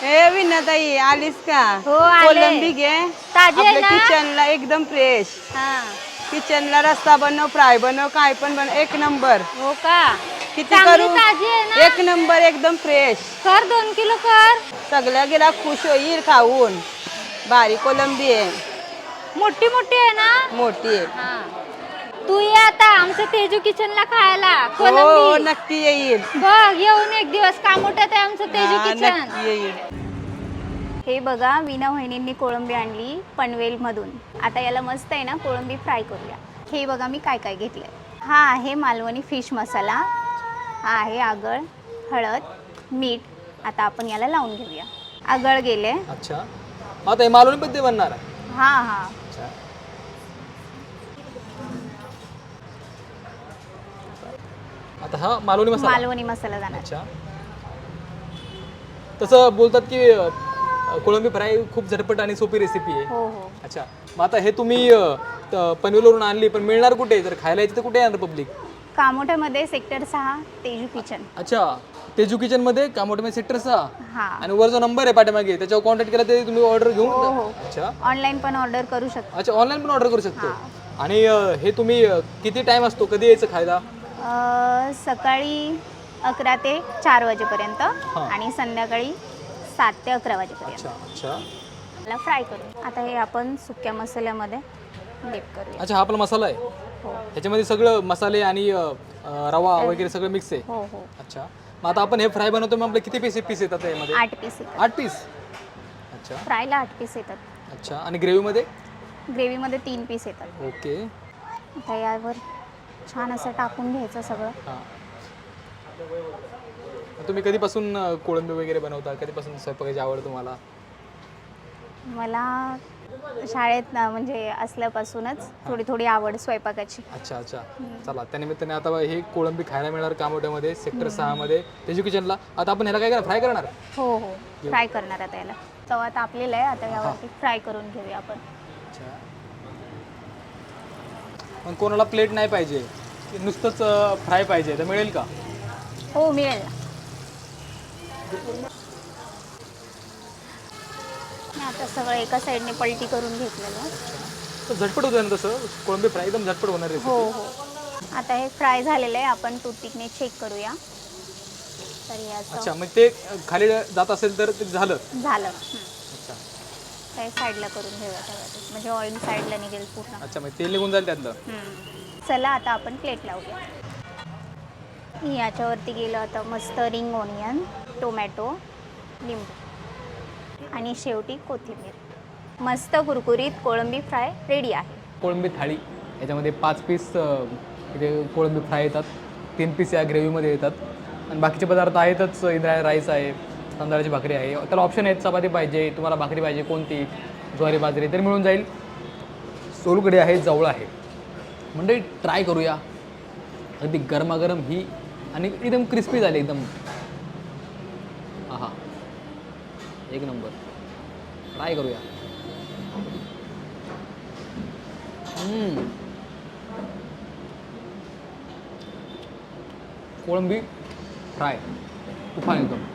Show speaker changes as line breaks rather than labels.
ए विनाताई आलीस का?
हो आले.
कोलंबी घे.
ताजी आहे
आपल्या
ना?
किचनला एकदम फ्रेश.
हा.
किचनला रस्सा बनव, फ्राय बनव, काय पण बनव, एक नंबर.
हो का?
किती
चांगली
करू?
ताजी आहे ना?
एक नंबर एकदम फ्रेश.
कर 2 किलो कर.
सगळ्या गेला खुश होईल खाऊन. बारीक कोलंबी आहे.
मोठी मोठी आहे ना?
मोठी आहे.
हा. तू ये आता आमच्या तेजू किचनला खायला
हो
कोलंबी.
नक्की येईल.
बघ येऊन एक दिवस कामोट्यात आहे आमचं तेजू
हा,
किचन.
नक्की येईल.
हे बघा वीणा वहिनींनी कोळंबी आणली पनवेलमधून. आता याला मस्त आहे ना कोळंबी फ्राय करूया. हे बघा मी काय काय घेतलंय. हा आहे मालवणी फिश मसाला, हा आहे आगळ, हळद, मीठ. आता आपण याला लावून घेऊया. आगळ गेले.
अच्छा, आता हे मालवणी पद्धती बनणार आहे.
हा हा.
अच्छा, आता हा मालवणी मसाला.
मालवणी मसाला जाणार.
अच्छा, तसं बोलतात की कोळंबी फ्राय खूप झटपट आणि सोपी रेसिपी आहे.
हो हो.
अच्छा, मग आता हे तुम्ही पनवेलवरून आणली, पण मिळणार कुठे? जर खायला यायची तर कुठे येणार पब्लिक?
कामोठ्यामध्ये सेक्टर 6 तेजू किचन.
अच्छा, तेजू किचन मध्ये कामोठे सेक्टर 6.
हा.
आणि वर जो नंबर आहे पाठीमागे त्याच्यावर कॉन्टॅक्ट केला तरी तुम्ही ऑर्डर घेऊन.
हो हो.
अच्छा
ऑनलाईन पण ऑर्डर करू शकता.
अच्छा, ऑनलाईन पण ऑर्डर करू शकतो. आणि हे तुम्ही किती टाइम असतो, कधी यायचं खायला?
सकाळी 11 ते 4 वाजेपर्यंत आणि संध्याकाळी 7 ते 11 वाजेपर्यंत.
अच्छा अच्छा
मला फ्राय करू. आता हे आपण सुक्या मसाल्यामध्ये डीप करूया.
अच्छा, हा आपला मसाला आहे.
हो
ह्याच्यामध्ये सगळं मसाले आणि रवा वगैरे सगळं मिक्स आहे.
हो हो.
अच्छा, मग आता आपण हे फ्राय बनवतो, मग आपले किती पीस येतात यामध्ये?
8 पीस येतात.
8 पीस. अच्छा
फ्रायला 8 पीस येतात.
अच्छा, आणि ग्रेव्हीमध्ये?
ग्रेव्हीमध्ये 3 पीस येतात.
ओके.
आता यावर छान असं टाकून घ्यायचं सगळं.
हां, तुम्ही कधीपासून कोळंबी वगैरे बनवता? कधीपासून स्वयंपाकाची आवड तुम्हाला?
मला शाळेत म्हणजे असल्यापासूनच थोडी थोडी आवड स्वयंपाकाची.
अच्छा अच्छा, चला त्यानिमित्ताने आता हे कोळंबी खायला मिळणार कामोट्यामध्ये सेक्टर 6 मध्ये तेजू किचनला. आता आपण ह्याला काय करणार? फ्राय करणार?
हो हो. फ्राय करणार आता याला. तवा तापलेला आहे, आता यावरती फ्राय करून घेऊया आपण.
अच्छा, मग कोणाला प्लेट नाही पाहिजे, नुसतंच फ्राय पाहिजे, तर मिळेल का?
हो मिळेल ना. मी आता सगळं एका साईडने पलटी करून घेतलेलं.
तर झटपट होतं ना तसं, कोळंबी फ्राय एकदम झटपट होणार आहे.
हो हो. आता हे फ्राय झालेलं आहे, आपण टूथपिकने चेक करूया. तर याचं
अच्छा, मग ते खाली जात असेल तर ते झालं.
झालं.
अच्छा
काही साईडला करून घेऊया त्यावेळेस, म्हणजे ऑइल साईडला निघेल पूर्ण.
अच्छा, मग तेल निघून जाईल त्यातलं.
चला आता आपण प्लेट लावूया. याच्यावरती गेलं आता मस्त रिंग ओनियन, टोमॅटो, लिंबू आणि शेवटी कोथिंबीर. मस्त कुरकुरीत कोळंबी फ्राय रेडी आहे.
कोळंबी थाळी, याच्यामध्ये 5 पीस इथे कोळंबी फ्राय येतात, 3 पीस या ग्रेव्हीमध्ये येतात, आणि बाकीचे पदार्थ आहेतच. इंद्रायणी राईस आहे, तांदळाची भाकरी आहे, त्याला ऑप्शन आहेत. चपाती पाहिजे तुम्हाला, भाकरी पाहिजे कोणती, ज्वारी बाजरी तरी मिळून जाईल. सोलकढी आहे, जवळ आहे. म्हणजे ट्राय करूया. अगदी गरमागरम ही आणि एकदम क्रिस्पी झाली एकदम. हा, एक नंबर. ट्राय करूया. कोळंबी फ्राय तुफान एकदम.